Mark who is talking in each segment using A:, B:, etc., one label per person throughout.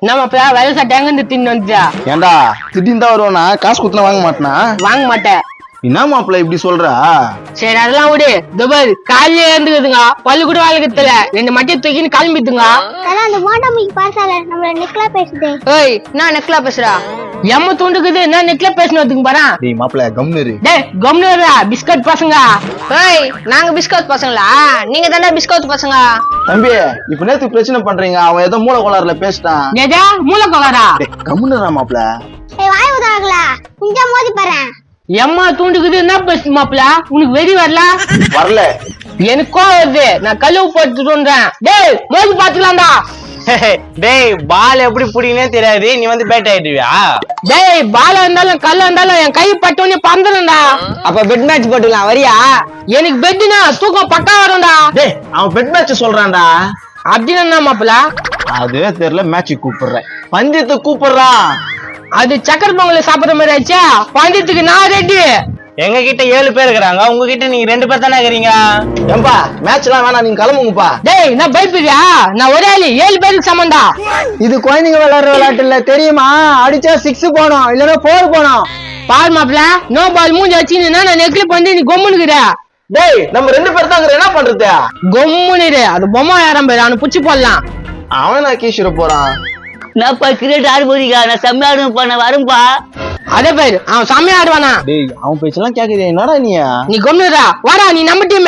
A: நம்ம வெள்ள சட்டை எங்க இருந்து தின்னு வந்துச்சா?
B: ஏண்டா திடீர்னு தான் வருவானா? காசு குத்துனா வாங்க மாட்டேனா?
A: வாங்க மாட்டேன்.
B: என்ன மாப்பிள்ள இப்படி சொல்றா?
A: சரி அதெல்லாம் விடு. துபாய் காலையில இருந்துக்குதுங்க, பல்லு கூட வாழ்க்கத்துல 2 மட்டியை தூக்கின்னு கிளம்பிட்டுங்க.
C: அந்த மோட்டமிக்கு பாசால நம்மள நெக்லா பேசுதே.
A: ஏய் நான் நெக்லா பேசுறா? எம்ம தூண்டுக்குது நான் நெக்லா பேசணும்னு பாறேன்.
B: டேய் மாப்பிள்ள கம்னரு.
A: டேய் கம்னரா பிஸ்கட் பசங்க. ஏய் நாங்க பிஸ்கட் பசங்களா? நீங்க தானே பிஸ்கட் பசங்க.
B: தம்பி இப்ப நேத்து பிரச்சனை பண்றீங்க, அவன் ஏதோ மூல கோளாறுல பேசிட்டான்.
A: ஏதா மூல கோளாறா?
B: கம்னரா மாப்பிள்ள.
C: ஏய் வாய் ஊதாங்களா கொஞ்சம் மோதி பாரு.
A: எம்மா தூண்டுக்குது என்ன பேசு மாப்பிள்ள? உனக்கு வெறி வரல?
B: வரல
A: எனக்கோ வருது. நான் கழுவு போட்டுறேன். டேய் மோதி பாத்துக்கலாம்டா.
D: டேய் பால் எப்படி புடிங்கனே தெரியாது, நீ வந்து பேட் ஆயிடுவியா?
A: டேய் பாலா இருந்தாலும் கல்ல இருந்தாலும் என் கை பட்டோனே பறந்துடும்டா.
D: அப்ப பெட் மேட்ச் போட்டுக்கலாம், வரியா?
A: எனக்கு பெட்னா தூக்கம் பக்கா வரும்டா.
B: டேய் அவன் பெட் மேட்ச் சொல்றான்டா.
A: அப்படின்னு என்ன மாப்பிள்ள?
B: அதுவே தெரியல, மேட்ச் கூப்பிடுறேன், பஞ்சத்தை கூப்பிடுறான்.
A: அது சக்கர பொங்கல் சாப்பிடுற மாதிரி ஆச்சா? பந்தயத்துக்கு நான் ரெடி.
D: எங்க கிட்ட 7 பேர் இருக்கிறாங்க, உங்ககிட்ட நீங்க 2 பேர் தானே இருக்கிறீங்க.
B: ஏம்பா மேட்ச் எல்லாம் வேணாம், நீங்க கிளம்புங்கப்பா.
A: டேய் நான் பயப்படுறியா? நான் ஒரே ஆளு 7 பேருக்கு சமந்தா.
D: இது குழந்தைங்க விளையாடுற விளையாட்டு இல்ல தெரியுமா? அடிச்சா 6 போனோம், இல்லன்னா 4 போனோம்.
A: பால் மாப்பிள்ள நோ பால் மூஞ்சி வச்சுன்னா நான் நெக்ல பண்ணி நீ கொம்முனுக்குற.
B: டேய் நம்ம 2 பேர் தான் என்ன பண்றது?
A: கொம்முனிரு அது பொம்மை யாரம் பேரு அவனை புடிச்சு போடலாம்.
B: அவன் நான் கீசிட போறான்.
E: நான் கிரிக்கெட் ஆடு போறீங்க, நான் செம்ம ஆடு பண்ண வரும்பா.
A: அதே பேரு அவன் செம்மையா ஆடுவானா?
B: டேய் அவன் பேச்செல்லாம் கேக்குறியா? என்னடா
A: நீ கொம்முனுடா வாடா, நீ நம்ம டீம்.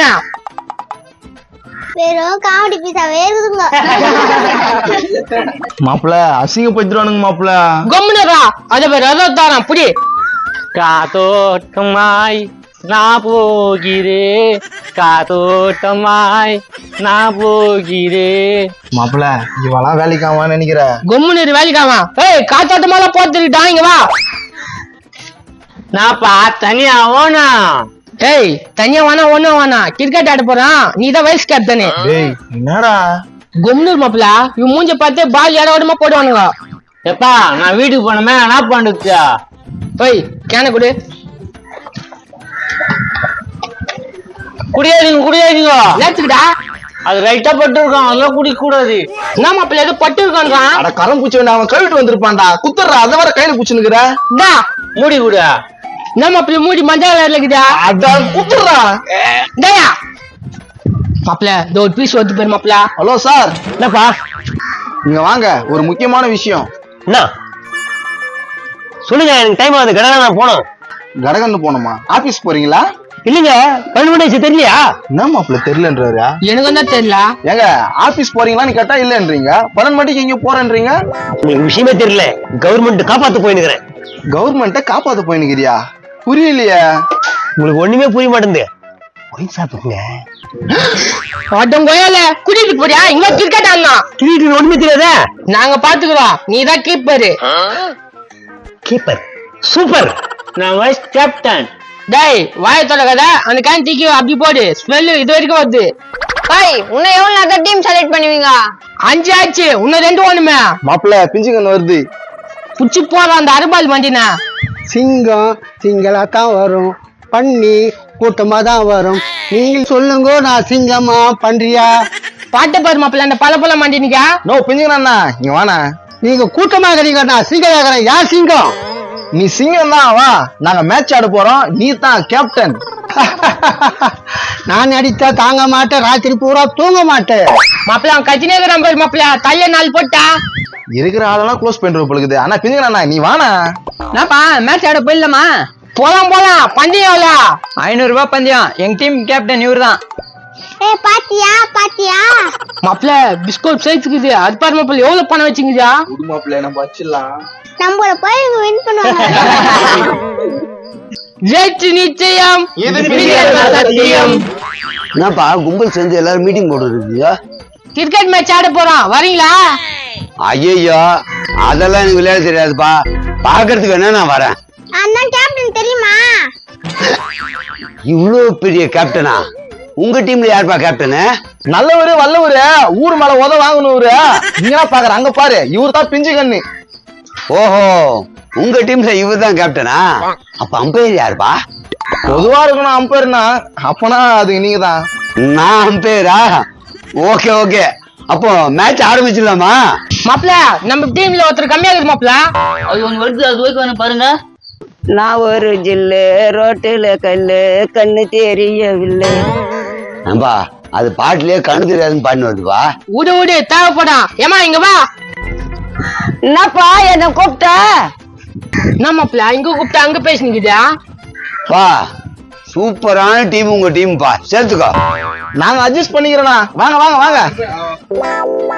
C: வெறும் காமெடி பீஸாவே இருக்குதுங்க.
B: மாப்பிள்ள அசிங்கப்படுத்துறானுங்க மாப்பிள்ள.
A: கொம்முனுடா அதே பேரு அதோ தாரான் புடி.
D: காத்தோட்டமாய் நான் போகிறே, காத்தோட்டமாய் நான் போகிறே.
B: மாப்பிள்ள இவெல்லாம் வேலைக்கு ஆவான்னு நினைக்கிற?
A: கொம்முனிரு வேலைக்காமா? ஏய் காத்தாட்டமாலாம் போத்துக்கிட்டா இங்க வா.
D: நான்ப்பா தனியா ஓனா.
A: ஏய் தனியா வேணா ஒண்ணும் வேணா, கிரிக்கெட் ஆட போறான், நீ தான் வைஸ் கேப்டனு.
B: டேய் என்னடா?
A: கொம்முனூர் மாப்பிள்ள இவன் மூஞ்ச பார்த்து பால் ஏட ஓடமா போடுவானுங்க.
D: எப்பா நான் வீட்டுக்கு போனமே என்ன பண்ணுச்சா?
A: போய் கேன குடு.
D: குடியாதீங்க
A: நேத்துக்கிட்டா
D: அது ரைட்டா பட்டு இருக்கான், அதெல்லாம் குடிக்க கூடாது.
A: என்ன மாப்பிள்ள ஏதோ பட்டு இருக்கான்றான்.
B: அட கரம் பூச்சி வேண்டாம், அவன் கழுவிட்டு வந்திருப்பான்டா. குத்துறா அதை வர கையில பூச்சுனுக்குற.
A: டா
D: மூடி கூட
A: என்ன மாப்பிள்ள மூடி மஞ்சள் கலர்ல இருக்குதா?
B: அதான் குத்துறா.
A: டேயா மாப்பிள்ள இதோ ஒரு பீஸ் வந்து பேர் மாப்பிள்ள.
B: Hello sir.
D: என்னப்பா?
B: நீங்க வாங்க, ஒரு முக்கியமான விஷயம்.
D: என்ன சொல்லுங்க, எனக்கு டைம் ஆகுது, கடை நான் போனோம்.
B: கடகன்னு போனோமா? ஆபீஸ் போறீங்களா?
D: இல்லைங்க 12 மணி தெரியலையா?
B: என்ன மாப்பிள்ள தெரியலன்றாரு?
A: எனக்கு தான் தெரியல.
B: ஏங்க ஆபீஸ் போறீங்களான்னு கேட்டா இல்லன்றீங்க, 12 மணிக்கு எங்க போறேன்றீங்க?
D: உங்களுக்கு விஷயமே தெரியல, கவர்மெண்ட் காப்பாத்து போயிருக்கிறேன்.
B: கவர்மெண்ட்ட காப்பாத்த போயினுக்கிறியா? புரியலையே.
D: உங்களுக்கு ஒண்ணுமே புரிய மாட்டேங்குது. போய் சாப்பிடுங்க.
A: ஆட்டம் கோயால குடிட்டு போறியா? இங்க கிரிக்கெட் ஆடலாம்.
D: கிரிக்கெட் ஒண்ணுமே தெரியாதா?
A: நாங்க பாத்துக்கிறோம், நீ தான் கீப்பரு.
D: கீப்பர் சூப்பர், நான் வைஸ் கேப்டன்.
A: டேய் வாய தொடக்காத, அந்த கேன் தூக்கி அப்படி போடு, ஸ்மெல் இது வரைக்கும் வருது.
C: ஏய் உன்னை எவ்வளவு நேரத்துல டீம் செலக்ட் பண்ணுவீங்க?
A: 5 ஆச்சு, இன்னும் 2 ஒண்ணுமே.
B: மாப்பிள்ள பிஞ்சுக்கன்னு வருது.
A: புடிச்சு போற அந்த அறுபால் வண்டினா.
F: சிங்கம் சிங்களா தான் வரும், பண்ணி கூட்டமா தான் வரும். நீங்க சொல்லுங்க, நான் சிங்கமா பண்றியா?
A: பாட்டு பாரு மாப்பிள்ள அந்த பல மாண்டினிக்கா.
B: நோ பிஞ்சுக்கண்ணா இங்க வாண்ணா.
F: நீங்க கூட்டமா இருக்கிறீங்க, நான் சிங்கம் கேக்குறேன். யார் சிங்கம்?
B: நீ சிங்கம் தான். வா நாங்க மேட்ச் ஆட போறோம், நீ தான் கேப்டன்.
F: நான் அடித்தா தாங்க மாட்டேன், ராத்திரி பூரா தூங்க மாட்டேன்.
A: மாப்பிள்ள அவன் கத்தினே இருக்கிறான் பாரு மாப்பிள்ள, தள்ள 4 போட்டா.
B: இருக்கிற ஆளெல்லாம் க்ளோஸ் பண்ணிட்டு போலுக்குது. ஆனா பிஞ்சுக்கண்ணா நீ வாண்ணா.
A: என்னப்பா மேட்ச் ஆட போயிடலாமா? போலாம் பந்தயம் எவ்வளோ?
D: 500 ரூபாய் பந்தயம். எங்க டீம் கேப்டன் இவரு தான்.
C: ஏய் பாத்தியா
A: மாப்பிள்ள பிஸ்கட் சைஸ்க்குது, அது பாரு மாப்பிள்ள எவ்வளவு பணம் வச்சுங்குதா?
B: மாப்பிள்ள நம்ம வச்சிடலாம்.
C: நம்மள போய் வின் பண்ணுவாங்க.
A: ஜெயிச்சு நிச்சயம்,
B: இது
A: சத்தியம்.
F: என்னப்பா கும்பல் சேர்ந்து எல்லாரும் மீட்டிங் போட்டுருக்கீங்க?
A: கிரிக்கெட் மேட்ச் ஆட போறோம், வரீங்களா?
F: ஐயோ அதெல்லாம் எனக்கு விளையாட தெரியாதுப்பா, பாக்குறதுக்கு வேணா நான் வரேன்.
C: அண்ணன் கேப்டன் தெரியுமா?
F: இவ்வளவு பெரிய கேப்டனா? உங்க டீம்ல யாருப்பா கேப்டனு?
B: நல்லவரு வல்லவரு, ஊர் மேல உத வாங்கணுவரு. நீங்க பாக்குற அங்க பாரு, இவரு தான் பிஞ்சு கண்ணு.
F: ஓஹோ, உங்க டீம்ல இவர் தான் கேப்டனா? அப்ப அம்பையர் யாருப்பா?
B: பொதுவா இருக்கணும் அம்பேர்னா, அப்பனா அது நீங்க தான்.
F: நான் அம்பையரா? ஓகே ஓகே, அப்போ மேட்ச் ஆரம்பிச்சிடலாமா?
A: மாப்பிள நம்ம டீம்ல ஒருத்தர் கம்மியா இருக்குது மாப்பிள.
E: அது ஒண்ணு வருது, அது போய் வேணும் பாருங்க.
G: நான் ஒரு ஜில்லு ரோட்டுல கல்லு கண்ணு தெரியவில்லை.
F: நம்பா அது பாட்டுலயே கண்ணு தெரியாதுன்னு பாட்டு வருதுப்பா.
A: விடு தேவைப்படும். ஏமா இங்க வா.
G: என்னப்பா என்ன கூப்பிட்ட?
A: என்ன மாப்பிள இங்க கூப்பிட்டா அங்க பேசினிக்குதா?
F: பா சூப்பரான டீம் உங்க டீம்பா, சேர்த்துக்கோ.
B: நாங்க அட்ஜஸ்ட் பண்ணிக்கிறோண்ணா. வாங்க வாங்க வாங்க.